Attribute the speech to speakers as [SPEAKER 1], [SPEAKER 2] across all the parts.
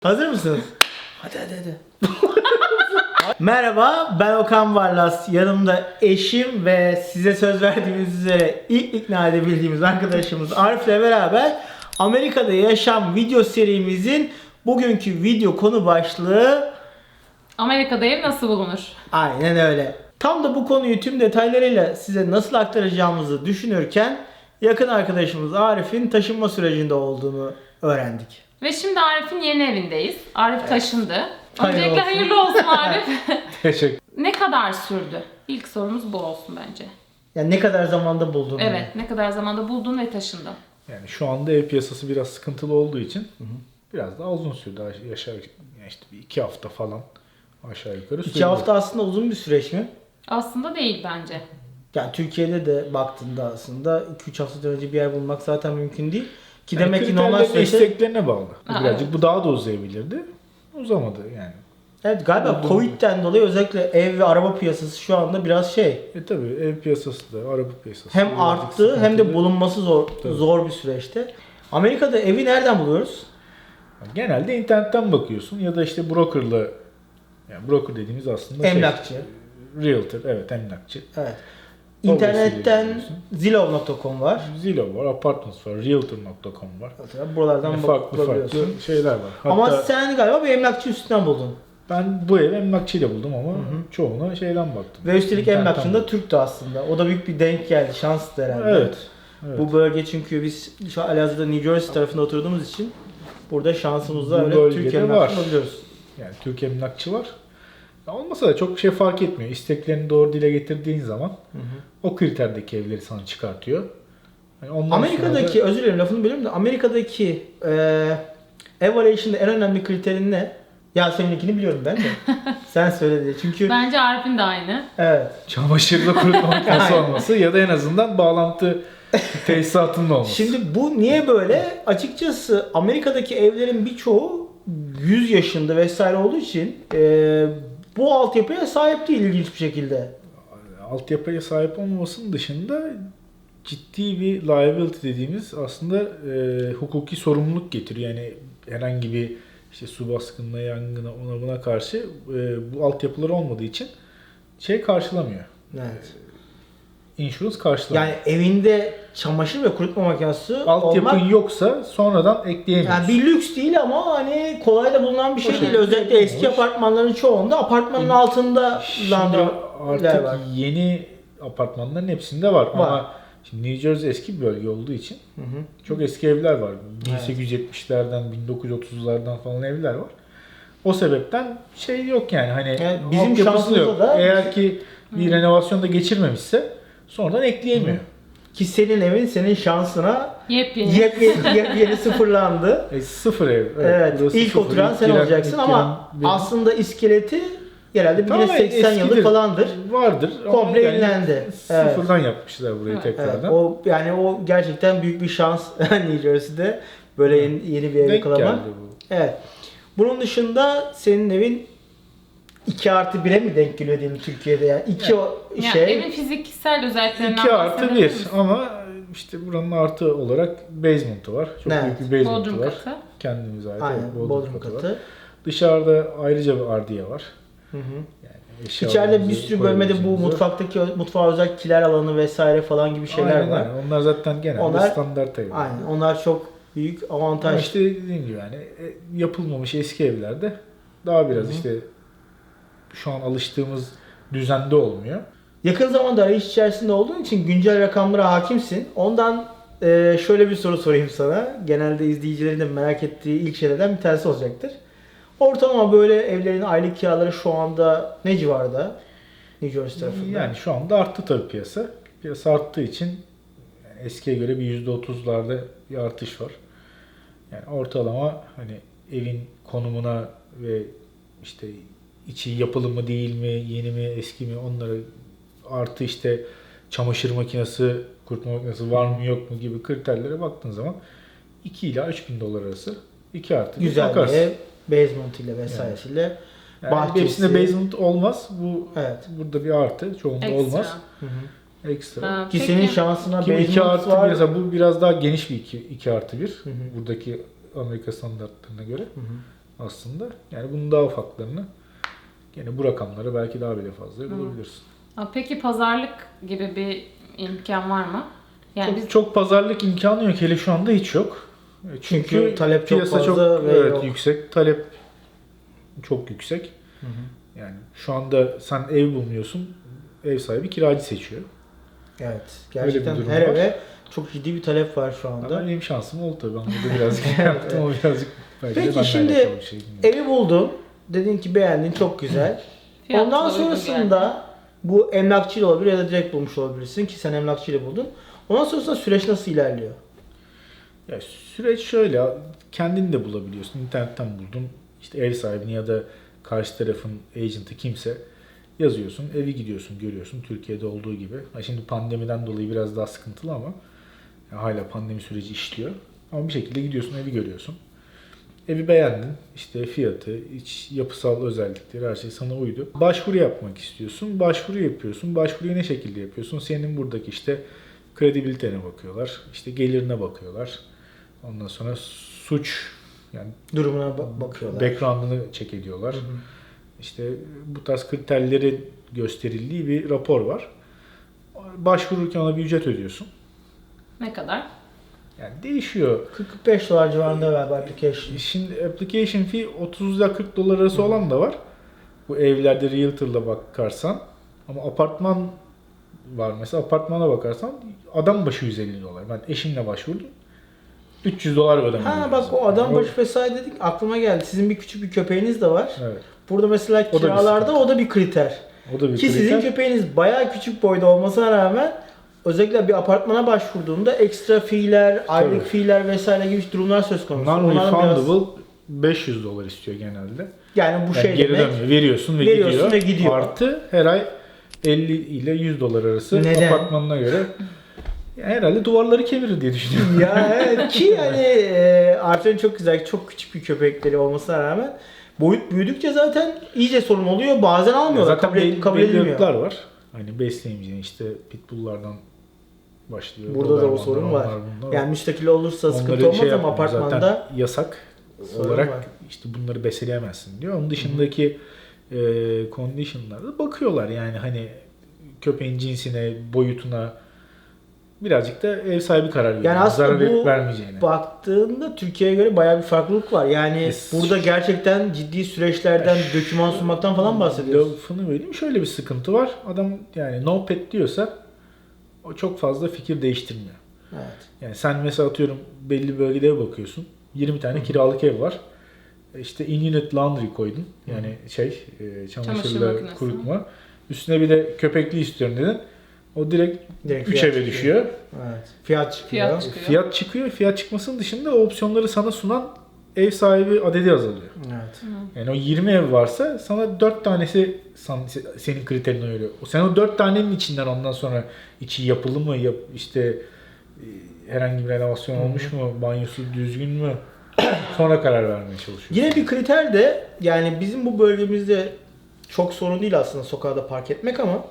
[SPEAKER 1] Hazır mısınız? Hadi. Merhaba, ben Okan Varlas. Yanımda eşim ve size söz verdiğimiz üzere ilk ikna edebildiğimiz arkadaşımız Arif'le beraber Amerika'da yaşam video serimizin bugünkü video konu başlığı
[SPEAKER 2] Amerika'da ev nasıl bulunur?
[SPEAKER 1] aynen öyle. Tam da bu konuyu tüm detaylarıyla size nasıl aktaracağımızı düşünürken yakın arkadaşımız Arif'in taşınma sürecinde olduğunu öğrendik.
[SPEAKER 2] Ve şimdi Arif'in yeni evindeyiz. Arif taşındı.
[SPEAKER 1] Hayırlı
[SPEAKER 2] Öncelikle
[SPEAKER 1] olsun.
[SPEAKER 2] hayırlı olsun Arif.
[SPEAKER 3] Teşekkür.
[SPEAKER 2] Ne kadar sürdü? İlk sorumuz bu olsun bence.
[SPEAKER 1] Yani ne kadar zamanda buldun?
[SPEAKER 2] Evet, ne kadar zamanda buldun ve taşındın?
[SPEAKER 3] Yani şu anda ev piyasası biraz sıkıntılı olduğu için biraz daha uzun sürdü. İşte bir 2 hafta falan aşağı yukarı sürdü.
[SPEAKER 1] 2 hafta aslında uzun bir süreç mi?
[SPEAKER 2] Aslında değil bence.
[SPEAKER 1] Yani Türkiye'de de baktığında aslında 2-3 haftadan önce bir yer bulmak zaten mümkün değil. Ki
[SPEAKER 3] Yani
[SPEAKER 1] demek ki normal
[SPEAKER 3] kriterlerine,
[SPEAKER 1] süreçte...
[SPEAKER 3] isteklerine bağlı. Birazcık
[SPEAKER 2] evet.
[SPEAKER 3] bu daha da uzayabilirdi. Uzamadı yani.
[SPEAKER 1] Evet galiba Covid'den dolayı özellikle ev ve araba piyasası şu anda biraz şey...
[SPEAKER 3] Tabii ev piyasası da, araba piyasası
[SPEAKER 1] Hem
[SPEAKER 3] birazcık
[SPEAKER 1] arttı hem de
[SPEAKER 3] sıkıntılı.
[SPEAKER 1] bulunması
[SPEAKER 3] Tabii.
[SPEAKER 1] zor bir süreçte. Amerika'da evi nereden buluyoruz?
[SPEAKER 3] Genelde internetten bakıyorsun ya da işte brokerla, yani broker dediğimiz aslında
[SPEAKER 1] Emlakçı.
[SPEAKER 3] realtor, evet emlakçı.
[SPEAKER 1] Evet.
[SPEAKER 3] O
[SPEAKER 1] İnternetten
[SPEAKER 3] vesileyle
[SPEAKER 1] Zillow.com var.
[SPEAKER 3] Zillow var, Apartments var, realtor.com var.
[SPEAKER 1] Buralardan
[SPEAKER 3] Yani farklı
[SPEAKER 1] bulabiliyorsun.
[SPEAKER 3] şeyler var.
[SPEAKER 1] Ama
[SPEAKER 3] Hatta
[SPEAKER 1] sen galiba bir emlakçı üstünden buldun.
[SPEAKER 3] ben bu evi emlakçıyla buldum ama çoğuna şeyden baktım.
[SPEAKER 1] Ve üstelik
[SPEAKER 3] İnternetten
[SPEAKER 1] emlakçının da
[SPEAKER 3] buldum.
[SPEAKER 1] Türk'tü aslında. O da büyük bir denk geldi. Şanstı herhalde.
[SPEAKER 3] Evet.
[SPEAKER 1] Bu bölge çünkü biz şu Elazığ'da New Jersey tarafında oturduğumuz için burada şansımızla
[SPEAKER 3] Bu
[SPEAKER 1] öyle
[SPEAKER 3] bölgede
[SPEAKER 1] Türkiye
[SPEAKER 3] var.
[SPEAKER 1] emlakçını bulabiliyoruz.
[SPEAKER 3] Yani Türk emlakçı var. Ya olmasa da çok bir şey fark etmiyor. İsteklerini doğru dile getirdiğin zaman o kriterdeki evleri sana çıkartıyor. Yani ondan
[SPEAKER 1] Amerika'daki,
[SPEAKER 3] sonra da
[SPEAKER 1] özür dilerim lafını bölüyorum da Amerika'daki evaluation'da en önemli kriterin ne? Yasemin'inkini biliyorum ben de. Sen söyle diye. Çünkü
[SPEAKER 2] Bence Arif'in de aynı.
[SPEAKER 1] evet.
[SPEAKER 3] çamaşırla kurutma makinesi
[SPEAKER 1] Aynen.
[SPEAKER 3] olması ya da en azından bağlantı tesisatının olması.
[SPEAKER 1] Şimdi bu niye böyle? Açıkçası Amerika'daki evlerin birçoğu 100 yaşında vesaire olduğu için bu altyapıya sahip değil ilginç bir şekilde.
[SPEAKER 3] Altyapıya sahip olmamasının dışında ciddi bir liability dediğimiz aslında hukuki sorumluluk getiriyor. Yani herhangi bir işte su baskınına, yangına, ona buna karşı bu altyapıları olmadığı için şey karşılamıyor.
[SPEAKER 1] Evet.
[SPEAKER 3] Insurance karşılamıyor.
[SPEAKER 1] Yani evinde çamaşır ve kurutma makinesi
[SPEAKER 3] altyapın
[SPEAKER 1] olmak
[SPEAKER 3] yoksa sonradan ekleyemiyorsun.
[SPEAKER 1] yani bir lüks değil ama hani kolay da bulunan bir şey değil.
[SPEAKER 3] şekilde
[SPEAKER 1] Özellikle eski
[SPEAKER 3] olmuş.
[SPEAKER 1] apartmanların çoğunda apartmanın altında
[SPEAKER 3] Şimdi
[SPEAKER 1] landroller
[SPEAKER 3] artık
[SPEAKER 1] var.
[SPEAKER 3] yeni apartmanların hepsinde var.
[SPEAKER 1] Var.
[SPEAKER 3] Ama şimdi New Jersey eski bir bölge olduğu için çok eski evler var. 1870'lerden, 1930'lardan falan evler var. O sebepten şey yok yani hani
[SPEAKER 1] Yani bizim
[SPEAKER 3] altyapısı
[SPEAKER 1] şansımıza
[SPEAKER 3] yok.
[SPEAKER 1] da-
[SPEAKER 3] Eğer ki bir renovasyon da geçirmemişse sonradan ekleyemiyor.
[SPEAKER 1] Ki senin evin senin şansına
[SPEAKER 2] Yepyeni.
[SPEAKER 1] yepyeni sıfırlandı.
[SPEAKER 3] Sıfır ev.
[SPEAKER 1] Evet,
[SPEAKER 3] burası
[SPEAKER 1] ilk
[SPEAKER 3] sıfır.
[SPEAKER 1] oturan
[SPEAKER 3] İlk
[SPEAKER 1] sen
[SPEAKER 3] giren-
[SPEAKER 1] olacaksın
[SPEAKER 3] ilk
[SPEAKER 1] ama
[SPEAKER 3] giren benim.
[SPEAKER 1] aslında iskeleti herhalde bir
[SPEAKER 3] Tamamen
[SPEAKER 1] 80 yıllık
[SPEAKER 3] eskidir.
[SPEAKER 1] falandır.
[SPEAKER 3] Vardır. ama
[SPEAKER 1] Komple
[SPEAKER 3] yani
[SPEAKER 1] yenilendi.
[SPEAKER 3] Sıfırdan yapmışlar burayı
[SPEAKER 2] Evet.
[SPEAKER 1] Evet,
[SPEAKER 3] tekrardan.
[SPEAKER 1] o yani o gerçekten büyük bir şans New Jersey'de böyle yeni bir ev
[SPEAKER 3] Denk
[SPEAKER 1] yakalamak.
[SPEAKER 3] geldi bu.
[SPEAKER 1] Evet. Bunun dışında senin evin 2+1'e mi denk geliyor diyelim Türkiye'de yani? İki
[SPEAKER 2] Yani
[SPEAKER 1] şey.
[SPEAKER 2] evin fiziksel özelliklerinden
[SPEAKER 3] 2 artı
[SPEAKER 2] bahsedebilir
[SPEAKER 3] 1
[SPEAKER 2] misin?
[SPEAKER 3] ama işte buranın artı olarak basement'ı var. Çok
[SPEAKER 1] Evet.
[SPEAKER 3] büyük bir basement'ı
[SPEAKER 2] Bodrum
[SPEAKER 3] var.
[SPEAKER 2] katı.
[SPEAKER 3] Kendimize ait
[SPEAKER 1] Aynen,
[SPEAKER 3] evet,
[SPEAKER 1] bodrum katı.
[SPEAKER 3] var. Dışarıda ayrıca bir ardiye var.
[SPEAKER 1] Hı hı.
[SPEAKER 3] Yani
[SPEAKER 1] İçeride bir sürü bölmede bu
[SPEAKER 3] koyabileceğimiz
[SPEAKER 1] mutfağa özel kiler alanı vesaire falan gibi şeyler
[SPEAKER 3] aynen,
[SPEAKER 1] var.
[SPEAKER 3] aynen. Onlar zaten genelde
[SPEAKER 1] Onlar-
[SPEAKER 3] standart evler.
[SPEAKER 1] Aynen. Onlar çok büyük
[SPEAKER 3] Ama
[SPEAKER 1] avantaj.
[SPEAKER 3] işte dediğim gibi yani yapılmamış eski evlerde daha biraz işte şu an alıştığımız düzende olmuyor.
[SPEAKER 1] Yakın zamanda arayış içerisinde olduğun için güncel rakamlara hakimsin. Ondan şöyle bir soru sorayım sana. Genelde izleyicilerin de merak ettiği ilk şeylerden bir tanesi olacaktır. Ortalama böyle evlerin aylık kiraları şu anda ne civarda? New Jersey tarafında.
[SPEAKER 3] Yani şu anda arttı tabii piyasa. Piyasa arttığı için yani eskiye göre bir %30'larda bir artış var. Yani ortalama hani evin konumuna ve işte içi yapılı mı değil mi, yeni mi, eski mi onları artı işte çamaşır makinesi, kurutma makinesi var mı yok mu gibi kriterlere baktığın zaman 2 ila 3 bin dolar arası 2 artı bir
[SPEAKER 1] Güzel bir
[SPEAKER 3] bakarsın.
[SPEAKER 1] ev. Basement ile vesairesiyle.
[SPEAKER 3] Yani
[SPEAKER 1] bahçesi.
[SPEAKER 3] hepsinde basement olmaz. Bu
[SPEAKER 1] Evet.
[SPEAKER 3] burada bir artı. Çoğunda
[SPEAKER 2] Ekstra.
[SPEAKER 3] olmaz.
[SPEAKER 1] Hı hı.
[SPEAKER 3] Ekstra.
[SPEAKER 2] Ha,
[SPEAKER 1] Ki
[SPEAKER 2] peki.
[SPEAKER 1] senin şansına
[SPEAKER 3] Kim 2
[SPEAKER 1] basement
[SPEAKER 3] artı
[SPEAKER 1] var.
[SPEAKER 3] mesela bu biraz daha geniş bir 2 artı 1.
[SPEAKER 1] hı.
[SPEAKER 3] Buradaki Amerika standartlarına göre. aslında. Yani bunun daha ufaklarını gene bu rakamlara belki daha bile fazla bulabilirsin.
[SPEAKER 2] Peki pazarlık gibi bir imkan var mı? Yani biz
[SPEAKER 3] Çok pazarlık imkanı yok. Hele şu anda hiç yok.
[SPEAKER 1] Çünkü talep çok
[SPEAKER 3] piyasa
[SPEAKER 1] fazla ve
[SPEAKER 3] evet,
[SPEAKER 1] yok.
[SPEAKER 3] yüksek. Talep çok yüksek.
[SPEAKER 1] Hı hı.
[SPEAKER 3] Yani şu anda sen ev bulmuyorsun. Ev sahibi kiracı seçiyor.
[SPEAKER 1] Evet.
[SPEAKER 3] Öyle bir
[SPEAKER 1] Gerçekten
[SPEAKER 3] durum
[SPEAKER 1] her
[SPEAKER 3] var.
[SPEAKER 1] eve çok ciddi bir talep var şu anda.
[SPEAKER 3] Ama benim şansım oldu tabii. Ben burada birazcık yaptım. O birazcık belki de
[SPEAKER 1] Peki
[SPEAKER 3] benimle
[SPEAKER 1] şimdi
[SPEAKER 3] alakalı bir şey.
[SPEAKER 1] evi buldun. Dedin ki beğendin, çok güzel.
[SPEAKER 2] fiyatı
[SPEAKER 1] Ondan
[SPEAKER 2] da uygun
[SPEAKER 1] sonrasında bu emlakçıyla olabilir ya da direkt bulmuş olabilirsin ki sen emlakçıyla buldun. Ondan sonrasında süreç nasıl ilerliyor?
[SPEAKER 3] Ya süreç şöyle, kendin de bulabiliyorsun. İnternetten buldun. İşte ev sahibini ya da karşı tarafın agent'ı kimse yazıyorsun. Evi gidiyorsun, görüyorsun. Türkiye'de olduğu gibi. Şimdi pandemiden dolayı biraz daha sıkıntılı ama hala pandemi süreci işliyor. Ama bir şekilde gidiyorsun, evi görüyorsun. Evi beğendin. İşte fiyatı, iç yapısal özellikleri, her şey sana uydu. Başvuru yapmak istiyorsun. Başvuru yapıyorsun. Başvuruyu ne şekilde yapıyorsun? Senin buradaki işte kredibilitene bakıyorlar. İşte gelirine bakıyorlar. Ondan sonra suç, yani
[SPEAKER 1] Durumuna bakıyorlar.
[SPEAKER 3] background'ını check ediyorlar.
[SPEAKER 1] Hı hı.
[SPEAKER 3] İşte bu tarz kriterleri gösterildiği bir rapor var. Başvururken ona bir ücret ödüyorsun.
[SPEAKER 2] ne kadar?
[SPEAKER 3] Yani değişiyor.
[SPEAKER 1] $45 civarında galiba application.
[SPEAKER 3] Şimdi application fee 30 ile 40 dolar arası olan da var. Bu evlerde realtor'la bakarsan. Ama apartman var mesela. Apartmana bakarsan adam başı 150 dolar. Ben eşimle başvurdum. 300 dolar ödemem
[SPEAKER 1] Ha
[SPEAKER 3] lazım.
[SPEAKER 1] bak o adam
[SPEAKER 3] Yani
[SPEAKER 1] başı vesaire dedik aklıma geldi. Sizin bir küçük bir köpeğiniz de var.
[SPEAKER 3] Evet.
[SPEAKER 1] Burada mesela
[SPEAKER 3] O da bir
[SPEAKER 1] kiralarda
[SPEAKER 3] sıkıntı.
[SPEAKER 1] o da bir kriter.
[SPEAKER 3] O da bir
[SPEAKER 1] Ki sizin
[SPEAKER 3] kriter.
[SPEAKER 1] köpeğiniz bayağı küçük boyda olmasına rağmen özellikle bir apartmana başvurduğunda ekstra fiiller, aylık
[SPEAKER 3] Tabii.
[SPEAKER 1] fiiller vesaire gibi durumlar söz konusu. Onların biraz-
[SPEAKER 3] Non-refundable 500 dolar istiyor genelde.
[SPEAKER 1] Yani bu
[SPEAKER 3] Yani
[SPEAKER 1] şey
[SPEAKER 3] geri
[SPEAKER 1] demek.
[SPEAKER 3] dönmüyor. Veriyorsun
[SPEAKER 1] Veriyorsun ve
[SPEAKER 3] gidiyor.
[SPEAKER 1] gidiyor.
[SPEAKER 3] Artı her ay 50 ile 100 dolar arası
[SPEAKER 1] Neden?
[SPEAKER 3] apartmanına göre. Yani herhalde duvarları kemirir diye düşünüyorum.
[SPEAKER 1] Ya evet ki hani Arthur'un çok güzel, çok küçük bir köpekleri olmasına rağmen boyut büyüdükçe zaten iyice sorun oluyor. Bazen almıyorlar.
[SPEAKER 3] Zaten
[SPEAKER 1] kabul
[SPEAKER 3] belli
[SPEAKER 1] edilmiyor.
[SPEAKER 3] ırklar var. Hani besleyemeyeceğin işte pitbulllardan başlıyor.
[SPEAKER 1] Burada da o
[SPEAKER 3] Dobermanlar,
[SPEAKER 1] sorun var.
[SPEAKER 3] onlar, bunlar
[SPEAKER 1] Yani müstakil olursa sıkıntı
[SPEAKER 3] Onları
[SPEAKER 1] olmaz ama
[SPEAKER 3] yapmıyor.
[SPEAKER 1] apartmanda
[SPEAKER 3] Zaten yasak
[SPEAKER 1] sorun
[SPEAKER 3] olarak
[SPEAKER 1] var.
[SPEAKER 3] işte bunları besleyemezsin diyor. Onun dışındaki condition'larda bakıyorlar yani hani köpeğin cinsine, boyutuna birazcık da ev sahibi karar veriyor.
[SPEAKER 1] Yani aslında
[SPEAKER 3] Zarar verip
[SPEAKER 1] bu
[SPEAKER 3] vermeyeceğine.
[SPEAKER 1] baktığında Türkiye'ye göre bayağı bir farklılık var. Yani
[SPEAKER 3] Es-
[SPEAKER 1] burada gerçekten ciddi süreçlerden, doküman sunmaktan falan bahsediyoruz.
[SPEAKER 3] Lafını vereyim. Şöyle bir sıkıntı var. Adam yani no pet diyorsa o çok fazla fikir değiştirmiyor.
[SPEAKER 1] Evet.
[SPEAKER 3] Yani sen mesela atıyorum belli bir bölgede ev bakıyorsun. 20 tane kiralık ev var. İşte in-unit laundry koydun. Yani
[SPEAKER 2] Çamaşır
[SPEAKER 3] çamaşırla
[SPEAKER 2] makinesi.
[SPEAKER 3] kurutma. Üstüne bir de köpekli istiyorum dedin. O direkt
[SPEAKER 1] Direkt
[SPEAKER 3] 3
[SPEAKER 1] fiyat
[SPEAKER 3] eve
[SPEAKER 1] çıkıyor.
[SPEAKER 3] düşüyor.
[SPEAKER 1] Evet. Fiyat çıkıyor.
[SPEAKER 2] Fiyat çıkıyor.
[SPEAKER 3] Fiyat çıkıyor. Fiyat çıkmasının dışında o opsiyonları sana sunan ev sahibi adedi azalıyor.
[SPEAKER 1] Evet.
[SPEAKER 3] Yani o 20 ev varsa sana 4 tanesi senin kriterine göre. Sen o 4 tanenin içinden ondan sonra içi yapılı mı, işte herhangi bir renovasyon olmuş mu, banyosu düzgün mü sonra karar vermeye çalışıyorsun.
[SPEAKER 1] Yine bir kriter de yani bizim bu bölgemizde çok sorun değil aslında sokakta park etmek ama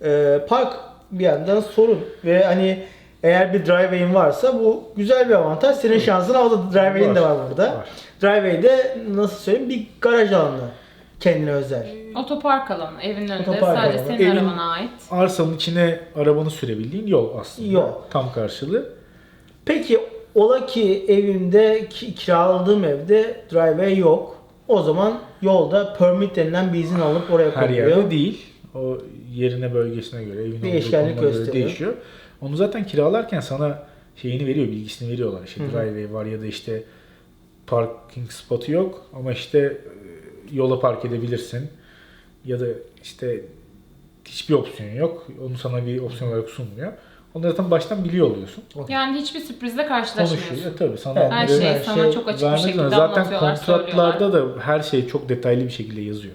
[SPEAKER 1] park bir yandan sorun ve hani eğer bir driveway'in varsa bu güzel bir avantaj. Senin şansın o da driveway'in de var burada.
[SPEAKER 3] Var.
[SPEAKER 1] Driveway'de nasıl söyleyeyim bir garaj alanı kendine özel.
[SPEAKER 2] Otopark alanı evin önünde
[SPEAKER 1] Otopark
[SPEAKER 2] sadece
[SPEAKER 1] alanı.
[SPEAKER 2] senin
[SPEAKER 3] Evin-
[SPEAKER 2] arabana ait.
[SPEAKER 3] Arsanın içine arabanı sürebildiğin yol aslında.
[SPEAKER 1] Yol.
[SPEAKER 3] Tam karşılığı.
[SPEAKER 1] Peki ola ki evimde kiraladığım evde driveway yok. O zaman yolda permit denilen bir izin alıp oraya
[SPEAKER 3] Her
[SPEAKER 1] koyuluyor.
[SPEAKER 3] yerde değil. O yerine bölgesine göre, evin olduğu
[SPEAKER 1] Değişkenlik
[SPEAKER 3] konuma göre
[SPEAKER 1] gösteriyor.
[SPEAKER 3] değişiyor. Onu zaten kiralarken sana şeyini veriyor, bilgisini veriyorlar. İşte
[SPEAKER 1] Hı hı.
[SPEAKER 3] driveway var ya da işte parking spotu yok ama işte yola park edebilirsin. Ya da işte hiçbir opsiyon yok. Onu sana bir opsiyon olarak sunmuyor. Onu zaten baştan biliyor oluyorsun.
[SPEAKER 2] Yani hiçbir sürprizle
[SPEAKER 3] Konuşuyor.
[SPEAKER 2] karşılaşmıyorsun.
[SPEAKER 3] Tabii sana
[SPEAKER 1] Evet,
[SPEAKER 2] Her
[SPEAKER 3] onları
[SPEAKER 2] şey
[SPEAKER 1] her
[SPEAKER 2] sana
[SPEAKER 1] şey
[SPEAKER 2] çok açık bir
[SPEAKER 3] vermek
[SPEAKER 2] şekilde
[SPEAKER 3] zorunda. Zaten
[SPEAKER 2] anlatıyorlar,
[SPEAKER 3] kontratlarda
[SPEAKER 2] söylüyorlar.
[SPEAKER 3] da her şey çok detaylı bir şekilde yazıyor.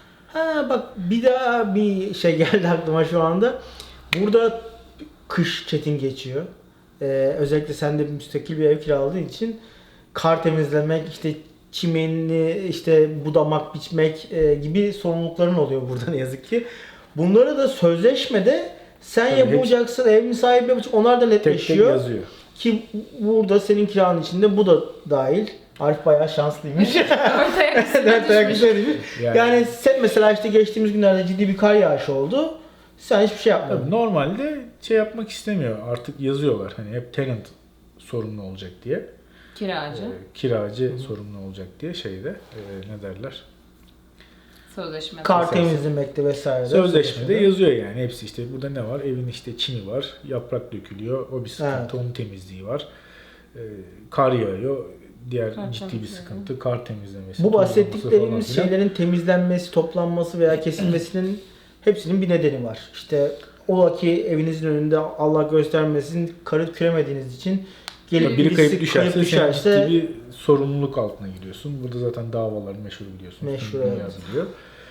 [SPEAKER 1] Ha bak bir daha bir şey geldi aklıma şu anda. Burada kış çetin geçiyor. Özellikle sen de müstakil bir ev kiraladığın için kar temizlemek, işte çimenini işte budamak, biçmek gibi sorumlulukların oluyor burada ne yazık ki. Bunları da sözleşmede sen
[SPEAKER 3] Tabii,
[SPEAKER 1] yapacaksın, evin sahibi yapacak, onlar da
[SPEAKER 3] Tek tek
[SPEAKER 1] netleşiyor.
[SPEAKER 3] yazıyor.
[SPEAKER 1] Ki burada senin kiranın içinde bu da dahil. Arif bayağı şanslıymış.
[SPEAKER 2] Ortaya
[SPEAKER 1] Dört ayak
[SPEAKER 2] düşmüş.
[SPEAKER 1] üstüne düşmüş. Yani sen mesela işte geçtiğimiz günlerde ciddi bir kar yağışı oldu. Sen hiçbir şey yapmadın.
[SPEAKER 3] Tabii normalde şey yapmak istemiyor. Artık yazıyorlar hani hep tenant sorumlu olacak diye.
[SPEAKER 2] Kiracı.
[SPEAKER 3] Kiracı sorumlu olacak diye şeyde ne derler?
[SPEAKER 2] Sözleşme.
[SPEAKER 1] Kar temizlemekte vesaire.
[SPEAKER 3] Sözleşmede yazıyor yani hepsi işte burada ne var? Evin işte çimi var, yaprak dökülüyor, o bir sıkıntı,
[SPEAKER 1] Evet.
[SPEAKER 3] onun temizliği var. Kar yağıyor, diğer
[SPEAKER 2] Kar
[SPEAKER 3] ciddi bir
[SPEAKER 2] temizliği.
[SPEAKER 3] sıkıntı, kar temizlemesi.
[SPEAKER 1] Bu
[SPEAKER 3] tozlaması
[SPEAKER 1] bahsettiklerimiz
[SPEAKER 3] falan filan.
[SPEAKER 1] şeylerin temizlenmesi, toplanması veya kesilmesinin hepsinin bir nedeni var. İşte ola ki evinizin önünde Allah göstermesin karı küremediğiniz için gelip
[SPEAKER 3] Biri kayıp
[SPEAKER 1] birisi
[SPEAKER 3] düşerse sen ciddi bir sorumluluk altına giriyorsun. Burada zaten davalar meşhur biliyorsunuz.
[SPEAKER 1] Meşhur,
[SPEAKER 3] Tüm dünya
[SPEAKER 1] evet.
[SPEAKER 3] biliyor.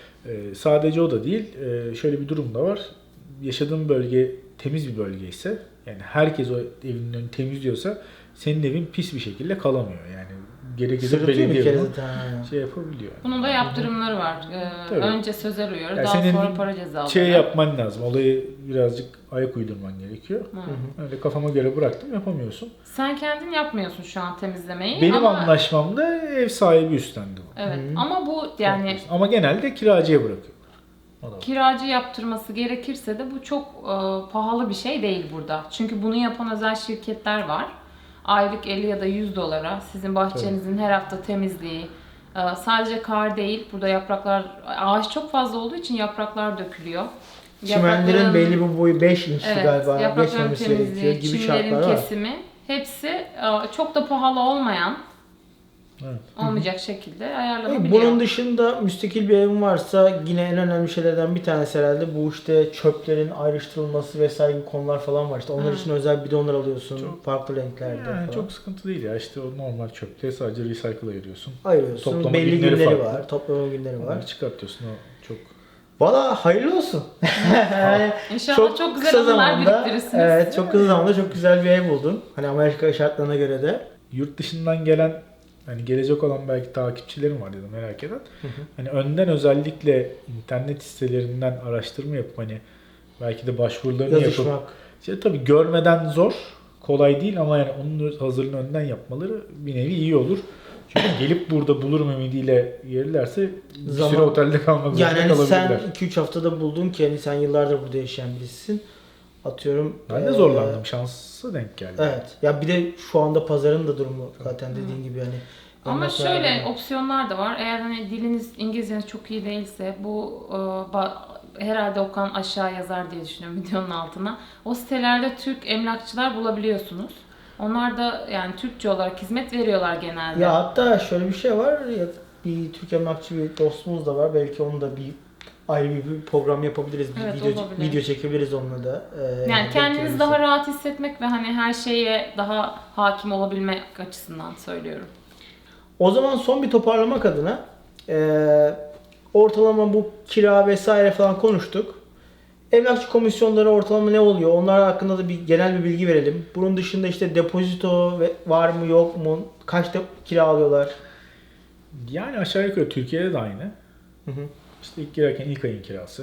[SPEAKER 3] Sadece o da değil. Şöyle bir durum da var. Yaşadığın bölge temiz bir bölge ise yani herkes o evinin önünü temizliyorsa senin evin pis bir şekilde kalamıyor. Yani gerekirse
[SPEAKER 1] sırıtıyor bir
[SPEAKER 3] belediye
[SPEAKER 1] kere
[SPEAKER 3] bunu
[SPEAKER 1] zaten.
[SPEAKER 3] şey yapabiliyor.
[SPEAKER 2] Bunun da yaptırımları var.
[SPEAKER 3] Tabii.
[SPEAKER 2] Önce sözel uyarı,
[SPEAKER 3] Yani
[SPEAKER 2] daha
[SPEAKER 3] senin
[SPEAKER 2] sonra para cezaları.
[SPEAKER 3] Şey yapman lazım. Olayı birazcık ayak uydurman gerekiyor.
[SPEAKER 2] Hı.
[SPEAKER 3] Öyle kafama göre bıraktım yapamıyorsun.
[SPEAKER 2] Sen kendin yapmıyorsun şu an temizlemeyi.
[SPEAKER 3] Benim
[SPEAKER 2] ama,
[SPEAKER 3] anlaşmamda ev sahibi üstlendi bu.
[SPEAKER 2] Evet
[SPEAKER 1] Hı.
[SPEAKER 2] ama bu yani
[SPEAKER 3] Ama genelde kiracıya bırakıyor. O da var.
[SPEAKER 2] kiracı yaptırması gerekirse de bu çok pahalı bir şey değil burada. Çünkü bunu yapan özel şirketler var. Aylık 50 ya da 100 dolara sizin bahçenizin her hafta temizliği, sadece kar değil, burada yapraklar, ağaç çok fazla olduğu için yapraklar dökülüyor.
[SPEAKER 1] Çimenlerin
[SPEAKER 2] Yaprakların-
[SPEAKER 1] belli bir boyu 5 inçti
[SPEAKER 2] Evet,
[SPEAKER 1] galiba
[SPEAKER 2] yaprakların
[SPEAKER 1] geçmemesi gerekiyor
[SPEAKER 2] temizliği,
[SPEAKER 1] gibi
[SPEAKER 2] çimlerin
[SPEAKER 1] şartlar var.
[SPEAKER 2] kesimi hepsi çok da pahalı olmayan,
[SPEAKER 3] Evet.
[SPEAKER 2] olmayacak şekilde ayarlanabiliyor.
[SPEAKER 1] Bunun dışında müstakil bir evin varsa yine en önemli şeylerden bir tanesi herhalde bu işte çöplerin ayrıştırılması vesaire gibi konular falan var. İşte onlar için özel bidonlar alıyorsun
[SPEAKER 3] Çok-
[SPEAKER 1] farklı renklerde
[SPEAKER 3] Yani
[SPEAKER 1] falan.
[SPEAKER 3] çok sıkıntı değil ya. İşte o normal çöpte sadece recycle ayırıyorsun.
[SPEAKER 1] Ayırıyorsun.
[SPEAKER 3] toplama
[SPEAKER 1] Belli
[SPEAKER 3] günleri
[SPEAKER 1] günleri
[SPEAKER 3] farklı.
[SPEAKER 1] var. Toplama günleri var.
[SPEAKER 3] Onları çıkartıyorsun. O çok
[SPEAKER 1] Valla hayırlı olsun. Yani
[SPEAKER 2] İnşallah çok güzel
[SPEAKER 1] kısa
[SPEAKER 2] anılar
[SPEAKER 1] zamanda,
[SPEAKER 2] biriktirirsiniz.
[SPEAKER 1] evet, çok kısa zamanda çok güzel bir ev buldun. Hani Amerika şartlarına göre de.
[SPEAKER 3] yurt dışından gelen hani gelecek olan belki takipçilerim var ya da merak eden. Hani önden özellikle internet sitelerinden araştırma yapıp hani belki de başvurularını yapıp
[SPEAKER 1] Yazışmak.
[SPEAKER 3] işte tabii görmeden zor, kolay değil ama yani onun hazırlığını önden yapmaları bir nevi iyi olur. Çünkü gelip burada bulurum ümidiyle gelirlerse bir
[SPEAKER 1] Zaman-
[SPEAKER 3] süre otelde kalmak zorunda
[SPEAKER 1] Yani hani sen
[SPEAKER 3] kalabilirler.
[SPEAKER 1] 2-3 haftada buldun ki hani sen yıllardır burada yaşayan birisin. Atıyorum.
[SPEAKER 3] Ben de zorlandım. Şansa denk geldi.
[SPEAKER 1] Evet. Ya bir de şu anda pazarın da durumu zaten dediğin gibi hani.
[SPEAKER 2] Ama
[SPEAKER 1] ondan sonra-
[SPEAKER 2] şöyle opsiyonlar da var. Eğer hani diliniz, İngilizceniz çok iyi değilse bu herhalde Okan aşağı yazar diye düşünüyorum videonun altına. O sitelerde Türk emlakçılar bulabiliyorsunuz. Onlar da yani Türkçe olarak hizmet veriyorlar genelde.
[SPEAKER 1] Ya hatta şöyle bir şey var. Ya, bir Türk emlakçı bir dostumuz da var. Belki onu da bir ayrı bir program yapabiliriz. Bir
[SPEAKER 2] Evet,
[SPEAKER 1] video,
[SPEAKER 2] olabilir.
[SPEAKER 1] video çekebiliriz onunla da.
[SPEAKER 2] Yani
[SPEAKER 1] denk
[SPEAKER 2] kendinizi
[SPEAKER 1] gelirse.
[SPEAKER 2] daha rahat hissetmek ve hani her şeye daha hakim olabilmek açısından söylüyorum.
[SPEAKER 1] O zaman son bir toparlamak adına ortalama bu kira vesaire falan konuştuk. Emlakçı komisyonları ortalama ne oluyor? Onlar hakkında da bir genel bir bilgi verelim. Bunun dışında işte depozito var mı yok mu? Kaçta kira alıyorlar?
[SPEAKER 3] Yani aşağı yukarı Türkiye'de de aynı.
[SPEAKER 1] Hı hı.
[SPEAKER 3] İşte ilk girerken ilk ayın kirası.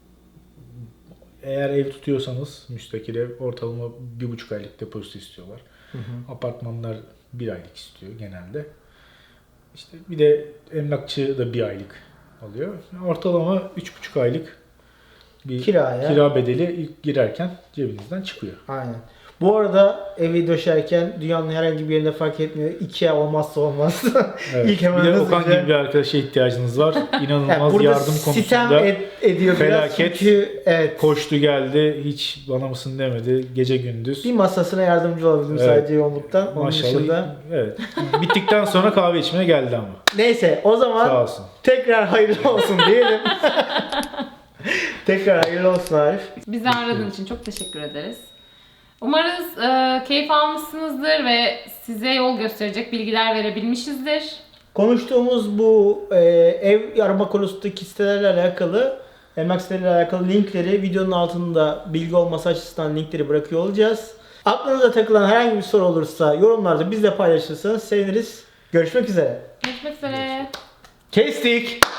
[SPEAKER 3] Eğer ev tutuyorsanız müstakil ev ortalama 1,5 aylık depozito istiyorlar.
[SPEAKER 1] Hı hı.
[SPEAKER 3] Apartmanlar 1 aylık istiyor genelde. İşte bir de emlakçı da 1 aylık alıyor. Ortalama 3,5 aylık bir kira bedeli ilk girerken cebinizden çıkıyor.
[SPEAKER 1] Aynen. Bu arada evi döşerken dünyanın herhangi bir yerinde fark etmiyor. IKEA olmazsa olmaz.
[SPEAKER 3] Evet.
[SPEAKER 1] İlk hemen
[SPEAKER 3] bir de
[SPEAKER 1] hızlıca-
[SPEAKER 3] Okan gibi bir arkadaşa ihtiyacınız var. İnanılmaz
[SPEAKER 1] Yani burada
[SPEAKER 3] yardım
[SPEAKER 1] sitem
[SPEAKER 3] konusunda
[SPEAKER 1] ediyor
[SPEAKER 3] felaket.
[SPEAKER 1] biraz çünkü evet.
[SPEAKER 3] koştu geldi. Hiç bana mısın demedi. Gece gündüz.
[SPEAKER 1] Bir masasına yardımcı olabildim
[SPEAKER 3] Evet.
[SPEAKER 1] sadece yoğunluktan. Onun
[SPEAKER 3] Maşallah.
[SPEAKER 1] dışında.
[SPEAKER 3] Evet. Bittikten sonra kahve içmeye geldi ama.
[SPEAKER 1] Neyse o zaman
[SPEAKER 3] Sağ olsun.
[SPEAKER 1] tekrar hayırlı olsun diyelim. Tekrar hayırlı olsun Arif.
[SPEAKER 2] Bizi aradığın için çok teşekkür ederiz. Umarız keyif almışsınızdır ve size yol gösterecek bilgiler verebilmişizdir.
[SPEAKER 1] Konuştuğumuz bu ev arama konusundaki sitelerle alakalı, emlak siteleriyle alakalı linkleri videonun altında bilgi olması açısından linkleri bırakıyor olacağız. Aklınıza takılan herhangi bir soru olursa yorumlarda bizle paylaşırsanız seviniriz. Görüşmek üzere.
[SPEAKER 2] Görüşmek üzere.
[SPEAKER 1] Kestik.